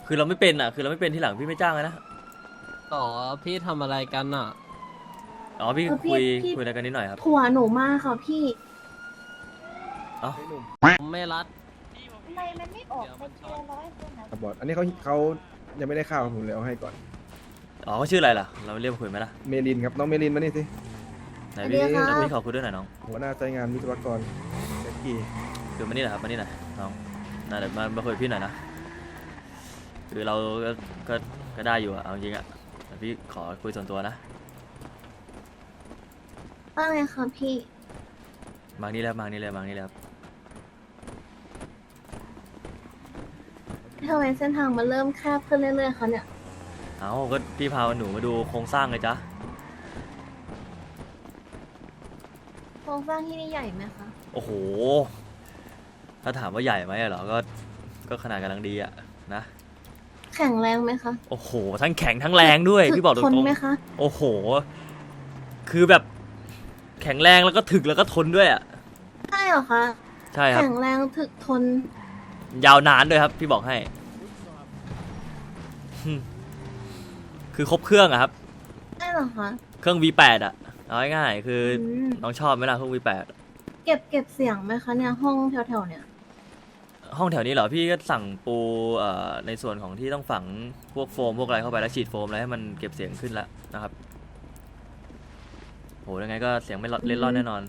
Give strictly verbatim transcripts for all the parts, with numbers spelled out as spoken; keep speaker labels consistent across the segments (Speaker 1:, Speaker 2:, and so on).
Speaker 1: คือเราไม่เป็นอ่ะคือเราไม่เป็นที่หลังพี่ไม่จ้างเลยนะ
Speaker 2: ต่อพี่ทำอะไรกันอ่ะ
Speaker 1: อ๋อพี่
Speaker 3: เออพี่
Speaker 1: คุย
Speaker 3: พี่
Speaker 1: คุยอะไรกันนิดหน่อยครับ
Speaker 3: ผัวหนูมากค่ะพี่
Speaker 1: อ๋อ
Speaker 4: ไอ้หนุ่ม
Speaker 2: ผมไม่รัด
Speaker 3: ทำไมมันไม่ออกเป็นเทียร้อยคนนะ
Speaker 4: ขับบอดอันนี้เขาเขายังไม่ได้ข้าวผมเลยเอาให้ก่อน
Speaker 1: อ๋อเขาชื่ออะไรล่ะเราเรียกมาคุยไหมล่ะ
Speaker 4: เมลินครับน้องเมลินมานี่สิ
Speaker 1: ไหนพี่พี่ขอคุยด้วยหน่อยน้อง
Speaker 4: หัวหน้าใจงานวิศวกรแจ็คกี้
Speaker 1: คือมานี่หน่อยครับมานี่หน่อยน้องน่าเดี๋ยวมามาคุยกับพี่หน่อยนะคือเราก็ก็ก็ได้อยู่อะเอาจริงอะแต่พี่ขอคุยส่วนตัวนะ
Speaker 3: ว่าไงคะพี่
Speaker 1: มานี่แล้วมานี่เลยมานี่แล้ว
Speaker 3: ทำไมเส้นทางมันเริ่มแคบขึ้นเรื่อยๆคะเนี่ย
Speaker 1: เอาก็พี่พาหนูมาดูโครงสร้างเลยจ้ะ
Speaker 3: โครงสร้างที่นี่ใหญ่ไหมคะ
Speaker 1: โอ้โหถ้าถามว่าใหญ่ไหมอะเหรอก็ก็ขนาดกำลังดีอะนะ
Speaker 3: แข็งแรงไหมคะ
Speaker 1: โอ้โหทั้งแข็งทั้งแรงด้วย
Speaker 3: ถึ
Speaker 1: พี่บอกตร
Speaker 3: ทน
Speaker 1: ง
Speaker 3: ไหมคะ
Speaker 1: ๆโอ้โห คือแบบแข็งแรงแล้วก็ถึกแล้วก็ทนด้วยอะ
Speaker 3: ใช่เหรอคะ
Speaker 1: ใช่ครับ
Speaker 3: แข็งแรงถึกทน
Speaker 1: ยาวนานด้วยครับ พี่บอกให้หึคือครบเครื่องอะครับ
Speaker 3: ใช่เหรอคะ
Speaker 1: เครื่อง วี แปด อะเอาง่ายๆคืออ
Speaker 3: ม
Speaker 1: น้องชอบไหมล่ะเครื่อง วี แปด
Speaker 3: เก็บเก็บเสียงไหมคะเนี่ยห้องแถวๆเนี่ย
Speaker 1: ห้องแถวนี้เหรอพี่ก็สั่งปูเอ่อในส่วนของที่ต้องฝังพวกโฟมพวกอะไรเข้าไปแล้วฉีดโฟมอะไรให้มันเก็บเสียงขึ้นแล้วนะครับโหยังไงก็เสียงไม่เล่นร่อนแน่นอน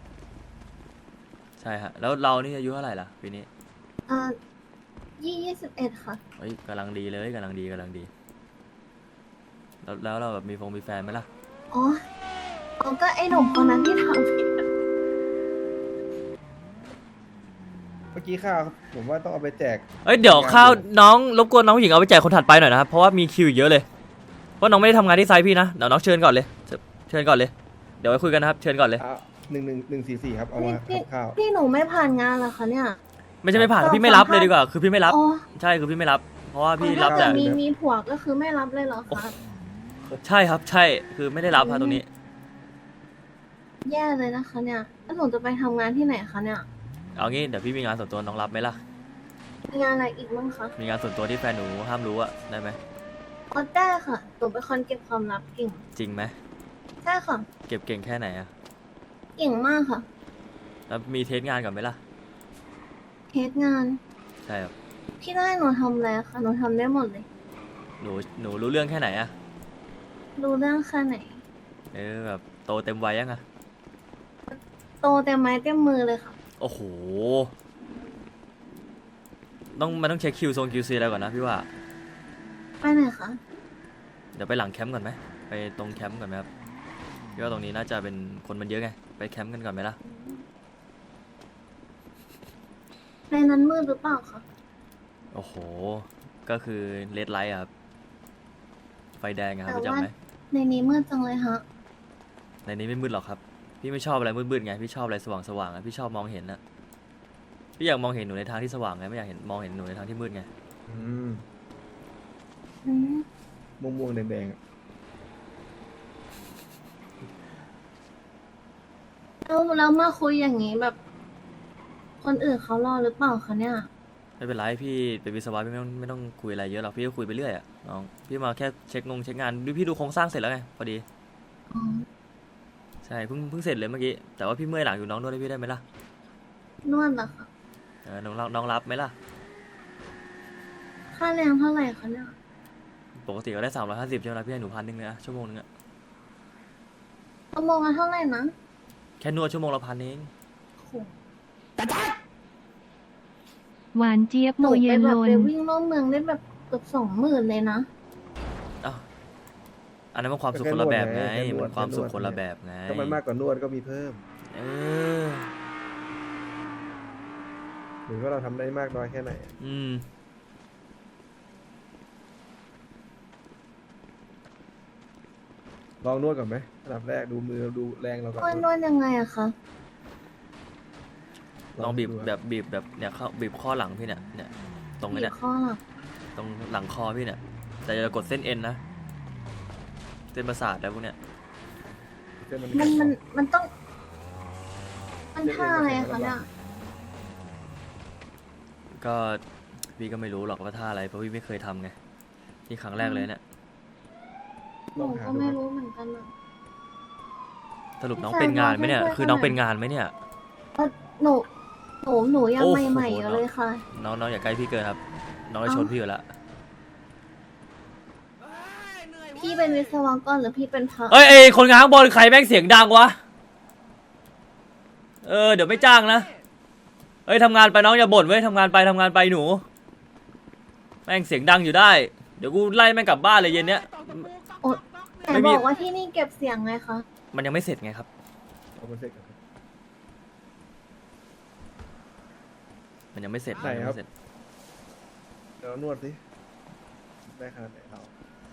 Speaker 1: ใช่ฮะแล้วเรานี่อายุเท่าไหร่ล่ะปีนี้
Speaker 3: อ่ายี่ยี่สิบเอ็ดค่ะ
Speaker 1: เฮ้ยกำลังดีเลยกำลังดีกำลังดี แล้วแล้วเราแบบมีฟงมีแฟนไหมล่ะ
Speaker 3: อ๋ออ๋อก็ไอ้หนุ่มคนนั้นที่ทำพี่
Speaker 4: เมื่อกี้ข้าวครับผมว่าต้องเอาไปแจก
Speaker 1: เอ้ยเดี๋ยวข้าวน้องรบกวนน้องผู้หญิงเอาไปแจกคนถัดไปหน่อยนะครับเพราะว่ามีคิวอีกเยอะเลยเพราะน้องไม่ได้ทำงานที่ไซต์พี่นะเดี๋ยวน้องเชิญก่อนเลยเชิญเชิญก่อนเลยเดี๋ยวไว้คุยกันนะครับเชิญก่อนเลย
Speaker 4: เอาหนึ่งหนึ่งหนึ่งสี่สี่ครับเอามา
Speaker 3: พี่
Speaker 4: ทำข้าว
Speaker 3: พี่หนูไม่ผ่านงานเหรอคะเนี่ย
Speaker 1: ไม่ใช่ไม่ผ่าน
Speaker 3: เรา
Speaker 1: พี่ไม่รับ
Speaker 3: สัมภาษณ์
Speaker 1: เลยดีกว่าคือพี่ไม่รับ
Speaker 3: อ๋อ
Speaker 1: ใช่คือพี่ไม่รับ เพราะว่าพี่
Speaker 3: อ๋อ
Speaker 1: รับ
Speaker 3: ถ้า
Speaker 1: แต่
Speaker 3: เกิดมีมีผัวก็คือไม่รับเลยเหรอคะ
Speaker 1: ใช่ครับใช่คือไม่ได้รับครับตรงนี้
Speaker 3: แย่เลยนะคะเนี่ยแล้วหนูจะไปทำงานที่ไหนคะเนี่ย
Speaker 1: เอางี้เดี๋ยวพี่มีงานส่วนตัวน้องรับไหมล่ะ
Speaker 3: มีงานอะไรอีกบ้างคะ
Speaker 1: มีงานส่วนตัวที่แฟนหนูห้ามรู้อะได้ไหม
Speaker 3: อ๋อได้ค่ะหนูเป็นคนเก็บความลับเก่ง
Speaker 1: จริงไหม
Speaker 3: ใช่ค่ะ
Speaker 1: เก็บเก่งแค่ไหนอะ
Speaker 3: เก่งมากค่ะ
Speaker 1: แล้วมีเทสงานก่อนไหมล่ะ
Speaker 3: เทสงาน
Speaker 1: ใช่ครับ
Speaker 3: พี่ได้หนูทำอะไรคะหนูทำได้หมดเลย
Speaker 1: หนูหนูรู้เรื่องแค่ไหนอะ
Speaker 3: รู้เรื่องแค่ไหน
Speaker 1: เออแบบโตเต็มวัยยังอะ
Speaker 3: โตเต็มไม้เต็มมือเลยค่ะ
Speaker 1: โอ้โหต้องมันต้องเช็คคิวโซนคิวซีอะไรก่อนนะพี่ว่า
Speaker 3: ไปไหนคะ
Speaker 1: เดี๋ยวไปหลังแคมป์ก่อนไหมไปตรงแคมป์ก่อนไหมครับพี่ว่าตรงนี้น่าจะเป็นคนมันเยอะไงไปแคมป์กันก่อนไหมล่ะ
Speaker 3: ในนั้นมืดหรือเปล่าคะ
Speaker 1: โอ้โหก็คือเลดไลท์ครับไฟแดงอะครับ
Speaker 3: แต่
Speaker 1: รู้จัก
Speaker 3: ว่า
Speaker 1: ไหม
Speaker 3: ในนี้มืดจังเลยฮะ
Speaker 1: ในนี้ไม่มืดหรอกครับพี่ไม่ชอบอะไรมืดๆไงพี่ชอบอะไรสว่างๆอะพี่ชอบมองเห็นอะพี่อยากมองเห็นหนูในทางที่สว่างไงไม่อยากเห็นมองเห็นหนูในทางที่มืดไง
Speaker 4: อืม
Speaker 3: อืม
Speaker 4: ม่วงม่วงๆแดงๆอะ
Speaker 3: แล้วแล้วมาคุยอย่างนี้แบบ คนอื่นเขารอหรือเปล่าคะเนี่ย
Speaker 1: ไม่เป็นไรพี่เป็นวิศวะพี่ไม่ต้องไม่ต้องคุยอะไรเยอะหรอกพี่ก็คุยไปเรื่อยอะน้องพี่มาแค่เช็คงงเช็คงานดูพี่ดูโครงสร้างเสร็จแล้วไงพอดี
Speaker 3: อ๋อ
Speaker 1: ใช่เพิ่งเพิ่งเสร็จเลยเมื่อกี้แต่ว่าพี่เมื่อยหลังอยู่น้องนวดให้พี่ได้ไหมล่ะ
Speaker 3: นวดเหรอคะ
Speaker 1: เออน้องรับน้องรับไหมล่ะ
Speaker 3: ค่าแรงเท่าไหร่คะเนี่ย
Speaker 1: ปกติก็ได้สามร้อยห้าสิบใช่ไหมล่ะพี่ให้หนูพันหนึ่งเลยนะชั่วโมงนึงอะ
Speaker 3: ชั่วโมงละเท่าไหร่นะ
Speaker 1: แค่นวดชั่วโมงละพันเอง
Speaker 3: โอ้โห
Speaker 5: หวานเจี๊ยบ
Speaker 3: ห
Speaker 5: โต
Speaker 3: นู
Speaker 5: เย็
Speaker 3: ไป
Speaker 5: น
Speaker 3: แบ
Speaker 5: ล
Speaker 3: บ
Speaker 5: น
Speaker 3: ไปวิ่งรอบเมืองได้แบบเกือบสองหมื่นเลยนะ
Speaker 1: อ้าวอันนั้นมันความสุขคนละแบบไงมันความสุขคนละแบบไง
Speaker 4: ก็มันมากกว่านวดก็มีเพิ่ม
Speaker 1: เออ
Speaker 4: หรือว่าเราทำได้มากน้อยแค่ไหน
Speaker 1: อืม
Speaker 4: ลองนวดก่อนไหมอันดับแรกดูมือดูแรงเราก่อน
Speaker 3: นวดนวดยังไงอะคะ
Speaker 1: ลองบีบ
Speaker 4: ดู
Speaker 1: แบบบีบแบบเนี่ยเข้าบีบข้อหลังพี่เนี่ยเนี่ยตรงนี้
Speaker 3: บี
Speaker 1: เนี่
Speaker 3: บ
Speaker 1: ย
Speaker 3: ข้อหลัง
Speaker 1: ตรงหลังคอพี่เนี่ยแต่อย่ากดเส้นเอ็นนะเส้นประสาทแล้วพวกเนี้ย
Speaker 4: เส้นมัน
Speaker 3: มันมัน
Speaker 4: แข็ง
Speaker 3: มันต้อง มันท่าอะไรอะคะเนี่ย
Speaker 1: ก็พี่ก็ไม่รู้หรอกว่าท่าอะไรเพราะพี่ไม่เคยทำไงนี่ครั้งแรกเลยเนี่ย
Speaker 3: หนูก็ไม่รู้เหมือนกันอะ
Speaker 1: สรุปน้องเป็นงานไหมเนี่ย คือน้องเป็นงานไหมเนี่ย
Speaker 3: เอ่อหนูหนูหนูยัง
Speaker 1: โอ้โห
Speaker 3: ใหม่ๆอยู่เลยค่ะ
Speaker 1: น้องน้องอย่าใกล้พี่เกินครับ น้องจะชนพี่อยู่แล้ว
Speaker 3: พี่เป็นวิศวกรหรือพี่เป็นพระ
Speaker 1: เอ้ยเอ้ยคนงานข้างบนใครแม่งเสียงดังวะ เออเดี๋ยวไม่จ้างนะ เอ้ยทำงานไปน้องอย่าบ่นเว้ยทำงานไปทำงานไปหนู แม่งเสียงดังอยู่ได้ เดี๋ยวกูไล่แม่งกลับบ้านเลยเย็นเนี้ย
Speaker 3: แต่
Speaker 1: ไม่มี
Speaker 3: บอกว่าที่นี่เก็บเสียงไงคะ
Speaker 1: มันยังไม่เสร็จไงครับ
Speaker 4: เอาไปเสร็จกันครับ
Speaker 1: มันยังไม่เสร็จ
Speaker 4: ไหน
Speaker 1: มันยัง
Speaker 4: ครับ
Speaker 1: ไม่เสร็จ
Speaker 4: เดี๋ยวนวดสิได้ขนาดไหนเรา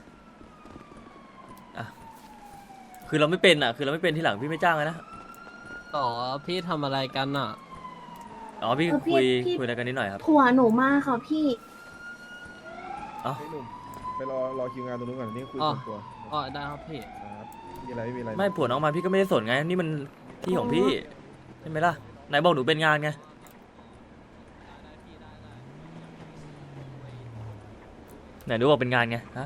Speaker 1: คือเราไม่เป็นอ่ะ คือเราไม่เป็นที่หลังพี่ไม่จ้างเลยนะ
Speaker 2: ต่อพี่ทำอะไรกันอ่ะ
Speaker 1: อ๋อพี่
Speaker 3: เออพี่
Speaker 1: คุย
Speaker 3: พี่
Speaker 1: คุยอะไรกันนิดหน่อยครับ
Speaker 3: ผัวหนูมากค่ะพี่
Speaker 1: เอ้า
Speaker 4: ไอ้หนุ่มไปรอรอคิวงานตรงนู้นก่อนนี่คุย
Speaker 2: อ๋อ
Speaker 4: ส่วนตัว
Speaker 2: อ๋อได้ครับพี่
Speaker 4: ครับมีอะไรไม่มีอะไร
Speaker 1: ไม่ผัวน้องมาพี่ก็ไม่ได้สนไง นี่มันที่ของพี่ใช่ไหมล่ะไหนบอกหนูเป็นงานไง ไหนหนูบอกเป็นงานไงฮะ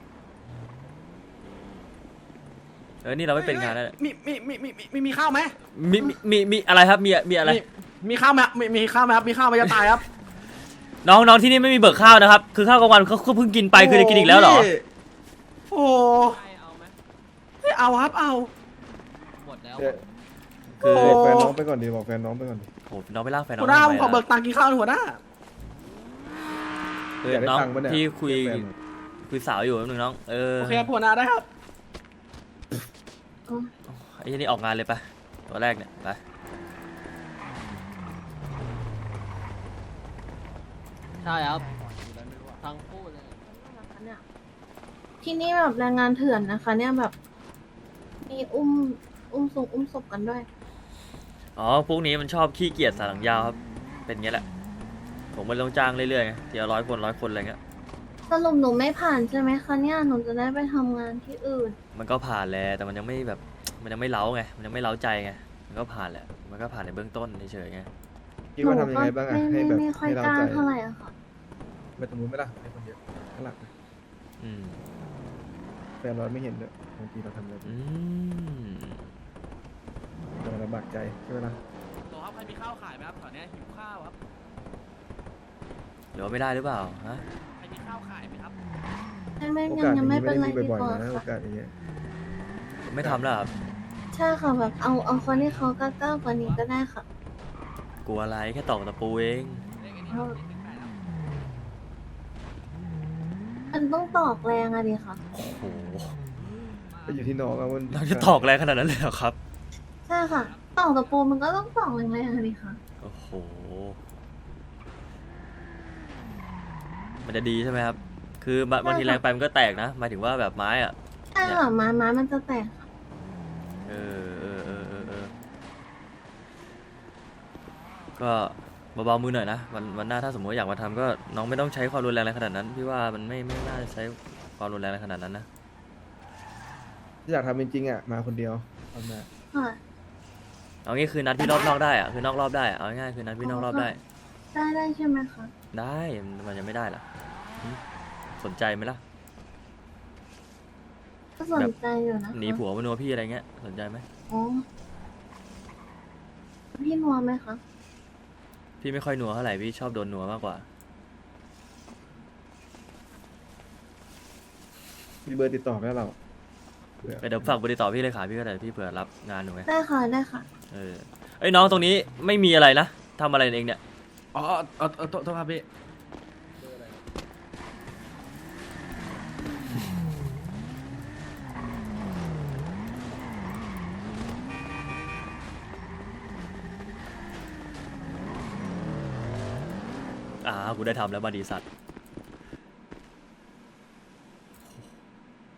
Speaker 1: เออนี่เราไม่เป็นงานแล้ว
Speaker 6: มีมีมีมีมีมีข้าวไหม
Speaker 1: มีมีมีมีอะไรครับมีมีอะไร
Speaker 6: มีมีข้าวไหมมีมีข้าวไหมครับมีข้าวไหมจะตายครับ
Speaker 1: น้องน้องที่นี่ไม่มีเบิกข้าวนะครับ คือข้าวกลางวันเขาเขาเพิ่งกินไปคือจะกินอีกแล้วเหรอ
Speaker 6: พี่โอ้
Speaker 2: เอาไหม
Speaker 6: ไม่เอาครับเอา
Speaker 2: หมดแล้ว
Speaker 4: เดี๋ยว
Speaker 1: คือ
Speaker 6: โอ้
Speaker 4: บอกแฟนน้องไปก่อนดิบอกแฟนน้องไปก่อนดิ
Speaker 1: โหน้องไปลากแฟนน้อง
Speaker 6: หัวหน้า
Speaker 1: ทำ
Speaker 6: ผม
Speaker 1: ไม
Speaker 6: ขอเบิ
Speaker 1: ล่ะ
Speaker 6: กตังค์กินข้าวหน่อยหัวหน้า
Speaker 1: คือ
Speaker 4: อยากได้
Speaker 1: น้อง
Speaker 4: ตังค์ปะเนี่ย
Speaker 1: ที่คุย
Speaker 4: เรีกแฟนหน่อ
Speaker 1: คุยสาวอยู่แป๊บนึงน้อง เออ
Speaker 6: โอเคครับหัวหน้าได้ครับ
Speaker 1: ไอ้ที่นี่ออกงานเลยไปตัวแรกเนี่ยไป
Speaker 2: ใช่ครับทั้งคู่เลย
Speaker 3: ที่นี่แบบแรงงานเถื่อนนะคะ เนี่ยแบบ มีอุ้มอุ้มศพอุ้มศพกันด้วย
Speaker 1: อ๋อพวกนี้มันชอบขี้เกียจสายหลังยาวครับเป็นอย่างเงี้ยแหละ ผมมันต้องจ้างเรื่อยๆไงทีละร้อยคนร้อยคนอะไรเงี้ย
Speaker 3: สรุปหนูไม่ผ่านใช่ไหมคะเนี่ย หนูจะได้ไปทำงานที่อื่น
Speaker 1: มันก็ผ่านแหละแต่มันยังไม่แบบมันยังไม่เล้าไงมันยังไม่เล้าใจไงมันก็ผ่านแหละมันก็ผ่านในเบื้องต้นเฉยๆไง
Speaker 4: คิดว่าทำยังไงบ้างอะ
Speaker 3: หนูก็
Speaker 4: ให้
Speaker 3: ไม่
Speaker 4: แบบ
Speaker 3: ไม่ค่อย
Speaker 4: ให้เรา
Speaker 3: กล้า
Speaker 4: ใจ
Speaker 3: เท่าไหร่อะค่ะ
Speaker 4: ไปตรงนู้นไหม่ล่ะให้คนเดียวข้างหลังนะ
Speaker 1: อืม
Speaker 4: แฟนเราไม่เห็นด้วยบางทีเราทำอะไร
Speaker 1: อืม
Speaker 4: เราลำบากใจใช่ไหมล่ะ
Speaker 6: ตัวครับใครมีข้าวขายไหมครับแถวเนี้ยหิวข้าวครับ
Speaker 1: หรือว่าไม่ได้หรือเปล่าฮะ
Speaker 6: ใครมีข้าวขายไหมครับ
Speaker 3: ไม่ไม่
Speaker 4: โอ
Speaker 3: ยัง
Speaker 4: กาสอ
Speaker 3: ยั
Speaker 4: ย่าง ง
Speaker 3: ไม่
Speaker 4: นี้
Speaker 3: เป็
Speaker 4: ไม่
Speaker 3: น
Speaker 4: ได้
Speaker 3: ไร
Speaker 4: มี
Speaker 3: ดี
Speaker 4: บ่อย
Speaker 3: กว่า
Speaker 4: ๆนะโอ
Speaker 3: ค่ะ
Speaker 4: กาสอย่างเงี้ย
Speaker 1: ไม่ทำแล้วครับ
Speaker 3: ใช่ค่ะแบบเอาเอาคนที่เขากล้าๆกว่านี้ก็ได้ค่ะ
Speaker 1: กลัวอะไรแค่ตอกตะปูเอง
Speaker 3: เอามันต้องตอกแรงอะดิค่ะ
Speaker 1: โอ้โห
Speaker 4: ก็อยู่ที่น้องอะมัน
Speaker 1: เราจะตอกแรงขนาดนั้นเลยเหรอครับ
Speaker 3: ใช่ค่ะ ตอกตะปูมันก็ต้องตอกแรงๆอะดิค่ะ
Speaker 1: โอ้โหมันจะดีใช่ไหมครับ คือบางบางทีแรงไปมันก็แตกนะหมายถึงว่าแบบไม้อะ
Speaker 3: ใช่ค่ะไม้ไม้มันจะแตกค่ะ
Speaker 1: เออเออเออเออเออก็เบาๆมือหน่อยนะวันวันหน้าถ้าสมมติอยากมาทำก็น้องไม่ต้องใช้ความรุนแรงอะไรขนาดนั้นพี่ว่ามันไม่ไม่น่าจะใช้ความรุนแรงอะไรขนาดนั้นนะ
Speaker 4: ถ้าอยากทำจริงๆอ่ะมาคนเดียวทำได้
Speaker 3: ค่ะ
Speaker 1: เอางี้คือนัดพี่รอบนอกได้อะคือนอกรอบได้อะเอาง่ายๆคือนัดพี่นอกรอบได้
Speaker 3: ได้ได้ใช่ไหมคะ
Speaker 1: ได้มันยังไม่ได้ล่ะหึสนใจไหมล่ะ
Speaker 3: ก็สนใจอยู่นะคะ
Speaker 1: หนีผัวมานัวพี่อะไรเงี้ยสนใจไหม
Speaker 3: อ๋อพี่นัวไหมคะ
Speaker 1: พี่ไม่ค่อยนัวเท่าไหร่พี่ชอบโดนนัวมากกว่า
Speaker 4: มีเบอร์ติดต่อไหมเราเผื่อ
Speaker 1: เดี๋ยวฝากบริต่อพี่เลยค่ะพี่ก็ได้พี่เผื่อรับงานหนูไง
Speaker 3: ได้ค่ะได้ค่ะ
Speaker 1: เออเอ้ยน้องตรงนี้ไม่มีอะไรนะทำอะไรเองเนี่ย
Speaker 6: อ๋อเออเออโทษโทษครับพี่
Speaker 1: อ่ากูได้ทำแล้วมาดีสัตว์